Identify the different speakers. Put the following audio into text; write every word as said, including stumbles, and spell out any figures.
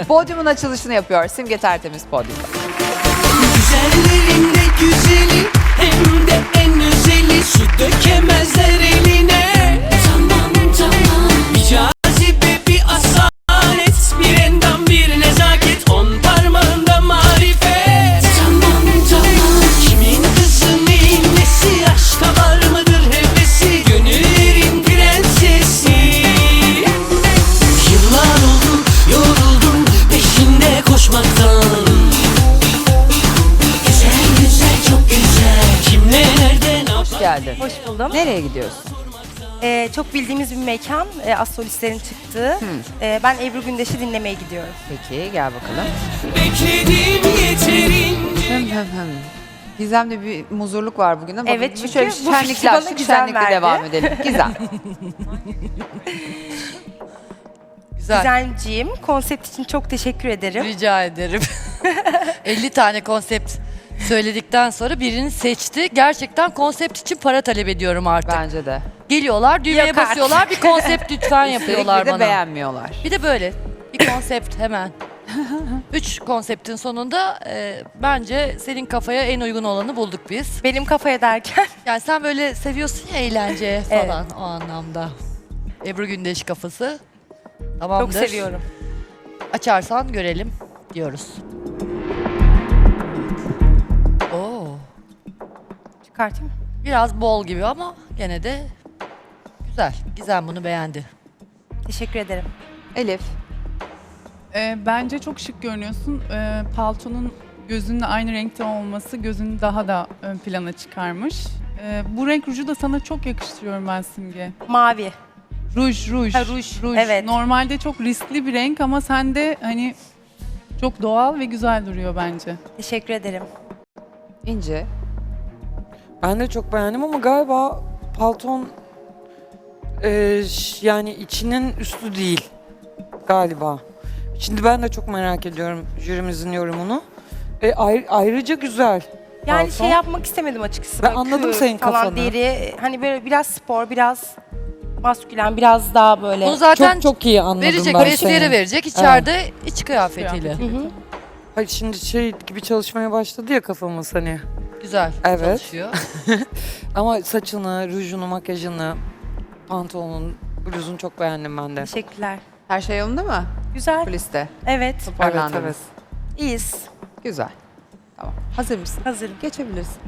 Speaker 1: Podyumun açılışını yapıyor. Simge Tertemiz podyumda.
Speaker 2: Güzellerin de güzeli, hem de en özeli. Su dökemezler eline. Tamam tamam. Bir cazibe, bir asalet, bir endam, bir nezaket. On parmağında marifet. Tamam tamam. Kimin kızı, neyin nesi? Aşka var mıdır hevesi? Gönüllerin prensesi. Yıllar oldu, yoruldum peşinde koşmaktan. Güzel güzel, çok güzel. Kimle, nerede, ne
Speaker 1: Hoş
Speaker 2: yapar?
Speaker 1: geldin.
Speaker 3: Hoş buldum.
Speaker 1: Nereye gidiyorsun?
Speaker 3: Ee, çok bildiğimiz bir mekan, e, astrolistlerin çıktığı. Ee, ben Ebru Gündeş'i dinlemeye gidiyorum.
Speaker 1: Peki gel bakalım.
Speaker 2: Bekledim yeterince.
Speaker 1: Hım hım hım. Gizem'de bir muzurluk var bugün ama
Speaker 3: Evet,
Speaker 1: bir
Speaker 3: çünkü
Speaker 1: şöyle
Speaker 3: bu
Speaker 1: şenlikler,
Speaker 3: festivale
Speaker 1: şu
Speaker 3: Gizem
Speaker 1: şenlikle
Speaker 3: verdi.
Speaker 1: devam edelim. Gizem.
Speaker 4: Güzel.
Speaker 3: Gizemciğim, konsept için çok teşekkür ederim.
Speaker 4: Rica ederim. elli tane konsept söyledikten sonra birini seçti. Gerçekten konsept için para talep ediyorum artık.
Speaker 1: Bence de.
Speaker 4: Geliyorlar, düğmeye
Speaker 3: Yok artık.
Speaker 4: basıyorlar, bir konsept lütfen
Speaker 1: Üstelik
Speaker 4: yapıyorlar
Speaker 1: bir de
Speaker 4: bana.
Speaker 1: beğenmiyorlar.
Speaker 4: Bir de böyle bir konsept hemen. Üç konseptin sonunda e, bence senin kafaya en uygun olanı bulduk biz.
Speaker 3: Benim kafaya derken.
Speaker 4: Yani sen böyle seviyorsun ya eğlence falan o anlamda. Ebru Gündeş kafası. Tamamdır.
Speaker 3: Çok seviyorum.
Speaker 4: Açarsan görelim diyoruz. Oo,
Speaker 3: Çıkartayım mı?
Speaker 4: biraz bol gibi ama gene de güzel. Gizem bunu beğendi.
Speaker 3: Teşekkür ederim.
Speaker 1: Elif.
Speaker 5: Ee, bence çok şık görünüyorsun. Ee, paltonun gözünle aynı renkte olması gözünü daha da ön plana çıkarmış. Ee, bu renk ruju da sana çok yakıştırıyorum ben Simge.
Speaker 3: Mavi.
Speaker 5: Ruj, ruj.
Speaker 3: Ha, ruj, evet.
Speaker 5: Normalde çok riskli bir renk ama sende hani çok doğal ve güzel duruyor bence.
Speaker 3: Teşekkür ederim.
Speaker 1: İnci.
Speaker 6: Ben de çok beğendim ama galiba palton eee, ş- yani içinin üstü değil galiba. Şimdi ben de çok merak ediyorum jürimizin yorumunu. E, ayr- ayrıca güzel.
Speaker 3: Yani
Speaker 6: palton.
Speaker 3: şey yapmak istemedim açıkçası.
Speaker 6: Ben
Speaker 3: Böyle
Speaker 6: anladım
Speaker 3: kür
Speaker 6: senin
Speaker 3: falan,
Speaker 6: kafanı.
Speaker 3: Deri, hani böyle biraz spor, biraz maskülen, biraz daha böyle.
Speaker 4: Bunu zaten
Speaker 6: Çok çok iyi anladım
Speaker 4: verecek,
Speaker 6: ben
Speaker 4: vestiyere
Speaker 6: seni.
Speaker 4: verecek içeride iç kıyafetiyle.
Speaker 5: Kıyafeti.
Speaker 3: Hı hı.
Speaker 6: Hayır şimdi şey gibi çalışmaya başladı ya kafamız hani.
Speaker 4: Güzel
Speaker 6: Evet.
Speaker 4: çalışıyor.
Speaker 6: Ama saçını, rujunu, makyajını, pantolonun, bluzunu çok beğendim ben de.
Speaker 3: Teşekkürler.
Speaker 1: Her şey yolunda mı?
Speaker 3: Güzel.
Speaker 1: Kuliste.
Speaker 3: Evet.
Speaker 6: Evet
Speaker 1: Toparlandınız.
Speaker 6: evet.
Speaker 3: İyiyiz.
Speaker 1: Güzel. Tamam. Hazır mısın?
Speaker 3: Hazırım.
Speaker 1: Geçebilirsin.